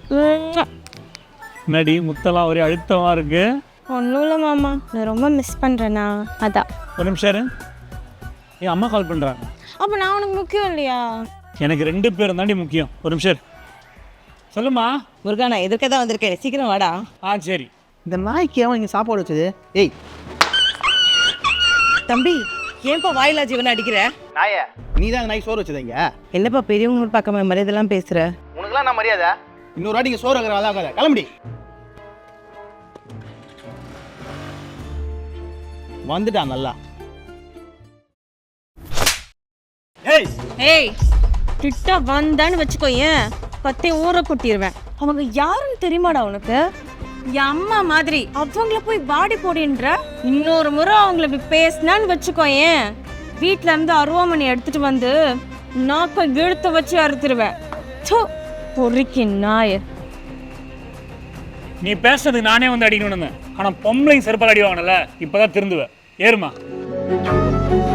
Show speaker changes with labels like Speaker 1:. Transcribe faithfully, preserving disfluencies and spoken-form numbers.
Speaker 1: நடி முத்தெல்லாம் ஒரே அழுத்தமாக இருக்கு.
Speaker 2: ஒன்றும் இல்லை மாமா, நான் ரொம்ப மிஸ் பண்ணுறேண்ணா, அதான்.
Speaker 1: ஒரு நிமிஷம் இரு. என் அம்மா கால் பண்ணுறாங்க.
Speaker 2: அப்போ நான் உனக்கு முக்கியம் இல்லையா?
Speaker 1: எனக்கு ரெண்டு பேரும் தாண்டி முக்கியம். ஒரு நிமிஷம் இரு. சொல்லுமா.
Speaker 3: முருகா, நான் எதிர்க்க தான் வந்திருக்கேன், சீக்கிரம் வாடா.
Speaker 1: ஆ சரி.
Speaker 4: இந்த நாய்க்கு அவன் இங்கே சாப்பாடு வச்சது. ஏய்
Speaker 3: தம்பி, ஏன்பா வாயிலா ஜீவனை அடிக்கிற?
Speaker 4: நாயே, நீ தான் நாய்க்கு சோறு வச்சது இங்கே.
Speaker 3: என்னப்பா பெரியவங்க பார்க்காம மரியாதைலாம் பேசுற?
Speaker 4: உனக்குலாம் நான் மரியாதை. இன்னொரு வாட்டி இங்கே சோறு வைக்கிற அழகாத கிளம்பி வந்துட்டான் நல்லா.
Speaker 1: ஏய்
Speaker 2: ஏய், கிட்ட வந்தான்னு வச்சுக்கோ, ஏன் பத்தி ஊற கொட்டிடுவேன். அவங்க யாருன்னு தெரியுமாடா உனக்கு? என் அம்மா மாதிரி அவங்கள போய் பாடி போடின்ற. இன்னொரு முறை அவங்கள இப்படி பேசினான்னு வச்சுக்கோ, ஏன் வீட்டில இருந்து அருவாமணி எடுத்துட்டு வந்து நாக்க இழுத்து வச்சு அறுத்துருவேன். பொறுக்கி நாய.
Speaker 1: நீ பேசுறதுக்கு நானே வந்து அடிக்கணும்னு, ஆனால் பொம்பளைங்க செருப்பால் அடி வாங்கினல, இப்போதான் திருந்துவேன். ஏறுமா.